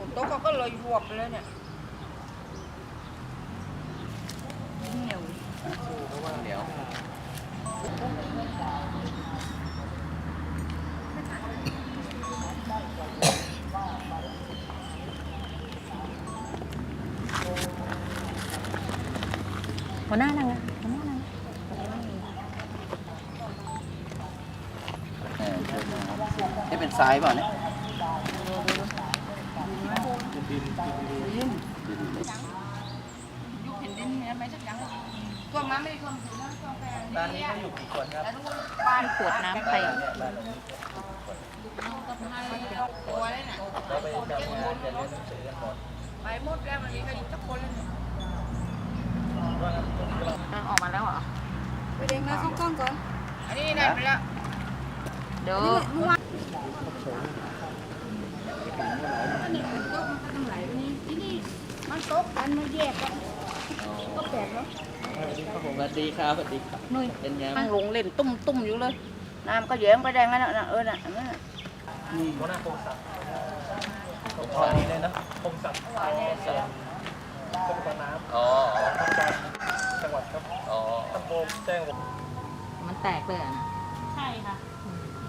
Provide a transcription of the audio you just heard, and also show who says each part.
Speaker 1: โต๊ะเขาก็เลยรวบไปเลยเนี่ยเหนียว
Speaker 2: เดี๋ยว
Speaker 3: หัวหน้านั่งนะหัวหน้านั่ง
Speaker 2: นี่เป็นทรายเปล่าเนี่ย
Speaker 1: ยุคแผ่นดินเนี่ยไม่สักอย่างท่วมมาไม่ได้ท่วมถึงนะท่วมแค่
Speaker 2: บ้านนี้ก็อยู่กี่คนครับ
Speaker 1: แต่ทุกคนบ้าน
Speaker 3: ขวดน้ำไป
Speaker 1: ตัวเลยน่ะ
Speaker 2: เราไปทำงานจะเรียนหนังสือกันหมด
Speaker 1: ไปหมดแล้วมันมีใครอยู่สักคนเลยเนี่ย
Speaker 3: ออกมาแล้วเหรอ
Speaker 4: ไปเด็กนะเข้ากล้องก่อน
Speaker 1: อันนี้ได้ไปแล้ว
Speaker 3: เดี๋ยว
Speaker 4: เมื่อวานนี่มันตกมันก็ต้องไหลไปนี่ที่นี่มันตกกันมันแยกกันก็แปลกเนาะ
Speaker 2: สวัสดีครับสวัสดีครับ
Speaker 3: นุ้ย
Speaker 2: เป็นยัง
Speaker 1: นั่งลงเล่นตุ้มอยู่เลยน้ำก็แย้งไปแดงนั่นน่ะน่ะนั่นน่ะ
Speaker 2: หัวหน้าพงศักดิ์ตอนนี้เลยนะพงศักดิ์กรมน้ำอ๋อจังหวัดครับอ๋อตำบลแจ้ง
Speaker 3: มันแตกเลยอ่ะนะ
Speaker 4: ใช่ค่ะ